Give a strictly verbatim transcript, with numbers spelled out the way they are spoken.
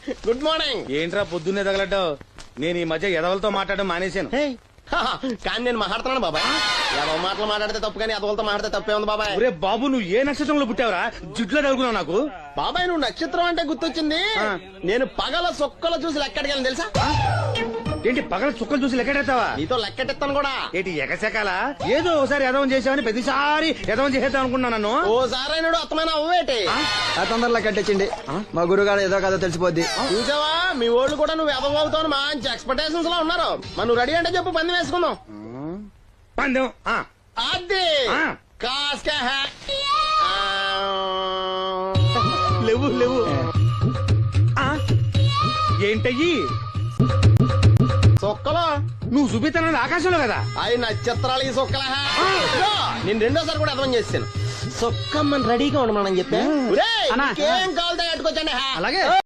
Good morning. ఏంట్రా పొద్దున్నే తగలడ్డావు? నేను ఈ మధ్య ఎదవలతో మాట్లాడడం మానేశాను. కానీ నేను మాట్లాడుతున్నాను బాబాయ్. ఎవరో మాటలు మాట్లాడితే తప్పు, కానీ అదవులతో మాట్లాడితే తప్పే ఉంది బాబాయ్. ఒరే బాబు, నువ్వు ఏ నక్షత్రంలో పుట్టావురా? జుట్లో తగులుకున్నావు నాకు. బాబాయ్ నువ్వు నక్షత్రం అంటే గుర్తొచ్చింది. నేను పగల సొక్కలు చూసి లెక్కడికి తెలుసా? ఏంటి పగల చుక్కలు చూసి లెక్కెడతావా? నీతో లెక్కెట్టిస్తాను కూడా. ఏంటి ఎగసెకాల? ఏదో ఒకసారి ఎదవం చేసావని ప్రతిసారి ఎదవం చేసేద్దాం అనుకున్నా నన్ను. ఓసారి అయినాడు అత్తమైన అవ్వేటి. ఆ తొందరలో కట్టించండి, మా గురుగారు ఏదో కథ తెలిసిపోద్ది. చూసావా, మీ ఓళ్ళు కూడా నువ్వు ఎదవవుతావు మంచి ఎక్స్పెక్టేషన్స్ లో ఉన్నారు. మరి నువ్వు రెడీ అంటే చెప్పు, పంది వేసుకుందాం. పందెం అది ఆ. కాస్క లేవు లేవు. ఏంటయ్యి సొక్కలో నువ్వు చూపిస్తానది ఆకాశంలో కదా? అవి నక్షత్రాలు ఈ సొక్కల. నేను రెండోసారి కూడా అర్థం చేస్తాను. సొక్కమ్మని రెడీగా ఉండమని చెప్పా. ఏం కావాలి తగ్గట్టుకొచ్చండి. అలాగే.